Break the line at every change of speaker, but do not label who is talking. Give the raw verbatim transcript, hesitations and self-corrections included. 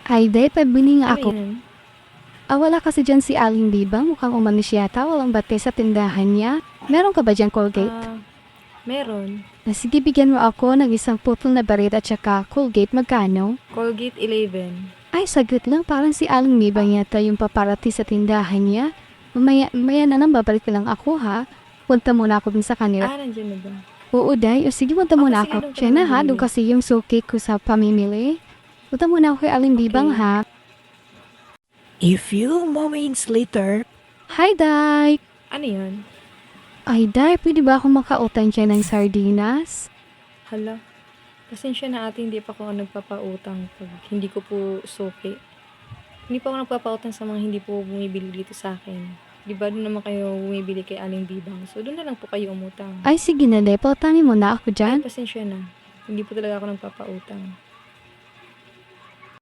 Ay, day, pabili nga
Ano
ako.
yan?
Ah, wala kasi dyan si Aling Bibang. Mukhang umalis yata. Walang bate sa tindahan niya. Meron ka ba dyan, Colgate?
Ah, meron.
Ah, sige, bigyan mo ako ng isang putol na barit at saka Colgate. Magkano?
Colgate eleven.
Ay, sagot lang. Parang si Aling Bibang yata yung paparati sa tindahan niya. Mamaya, mamaya na lang babalik lang ako, ha? Punta muna ako dun sa kanila.
Ah, nandiyan na ba?
Oo, day. O sige, punta
Okay,
muna
sige,
ako.
doon ka
Siya
na
na,
lang
ha? Doon
bumili.
kasi yung suki ko sa pamimili. Punta muna ako kay Aling Bibang,
Okay.
ha?
A few moments later.
Hi, day!
Ano yan?
Ay, day, pwede ba ako makautang siya ng sardinas?
Hala. Pasensya na ate, hindi pa ako nagpapautang pag hindi ko po suki. Hindi pa ako nagpapautang sa mga hindi po bumibili dito sa akin. Di ba doon naman kayo bumibili kay Aling Bibang? So doon na lang po kayo umutang.
Ay, sige na, day. Pautangin mo na ako
Ay,
dyan.
pasensya na. Hindi po talaga ako nagpapautang.